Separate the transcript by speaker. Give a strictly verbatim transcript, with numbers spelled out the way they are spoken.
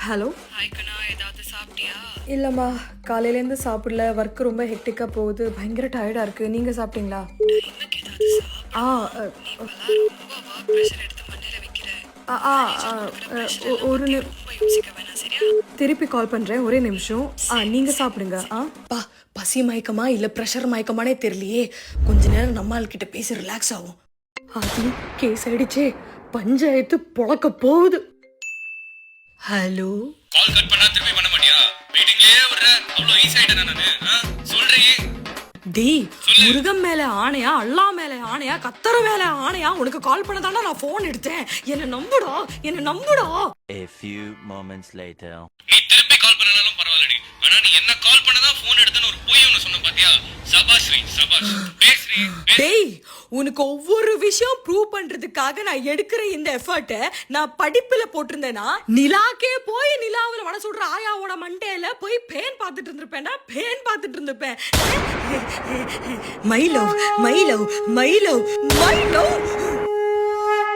Speaker 1: Hello.
Speaker 2: Hi கண்ணா, ஏதாவது சாப்பிட்டியா?
Speaker 1: இல்லைம்மா, காலையிலேருந்து சாப்பிடல. ஒர்க் ரொம்ப ஹெக்டிக்காக போகுது. பயங்கர டயர்டாக இருக்குது. நீங்கள் சாப்பிட்டீங்களா?
Speaker 2: டைமுக்கு ஏதாவது சாப்பிடு.
Speaker 1: ஆ அ,
Speaker 2: இப்பெல்லாம் ரொம்ப ஒர்க் ப்ரெஷர் எடுத்து மண்டையில வைக்கிற.
Speaker 1: ஆ ஆ ஆ,
Speaker 2: கொடுக்குற
Speaker 1: அ,
Speaker 2: ப்ரெஷர்
Speaker 1: ஒ-
Speaker 2: எல்லாம்
Speaker 1: ஒரு
Speaker 2: பத்தி
Speaker 1: நி
Speaker 2: ரொம்ப யோசிக்க வேணாம், சரியா?
Speaker 1: திருப்பி கால் பண்ணுறேன். ஒரே நிமிஷம். ஆ நீங்கள் சாப்பிடுங்க. ஆ
Speaker 3: பா, பசி மயக்கமா இல்ல பிரஷர் மயக்கமானே தெரியலையே. கொஞ்ச நேரம் நம்ம ஆள் கிட்ட பேசி ரிலாக்ஸ் ஆகும்.
Speaker 1: அது கேஸ் ஆயிடுச்சே. பஞ்சாயத்து பொழக்க போகுது.
Speaker 3: ஹலோ.
Speaker 4: கால் கட் பண்ணா திருப்பி பண்ண மாட்டியா? மீட்டிங்லயே விடுற. அவ்வளவு ஈஸி ஆயிட்டேனா நானு? ஆ? சொல்றீ.
Speaker 3: டேய், முருகன் மேல ஆணையா, அல்லா மேல ஆணையா, கத்தர மேல ஆணையா உனக்கு கால் பண்ணதானா நான் போன் எடுத்தேன். என்ன நம்புடா, என்ன நம்புடா.
Speaker 5: A few moments later.
Speaker 4: நீ திருப்பி கால் பண்ணனாலும் பரவாயில்லடி. ஆனா நீ என்ன கால் பண்ணதான் போன் எடுத்தேன்னு ஒரு பொய் ஒண்ணு சொன்ன பாத்தியா? சபாஷ் ஸ்ரீ, சபாஷ். பேசுறீ.
Speaker 3: டேய், உனக்கு ஒவ்வொரு விஷயம் ப்ரூவ் பண்றதுக்காக நான் எடுக்கிற இந்த எஃபர்ட்டை நான் படிப்புல போட்டிருந்தேனா, நிலாக்கே போய் நிலாவுல வட சொல்ற ஆயாவோட மண்டையில போய் பேன் பார்த்துட்டு இருந்திருப்பேன்டா, பேன் பார்த்துட்டு இருந்திருப்பேன். My love, my love, my love, my love.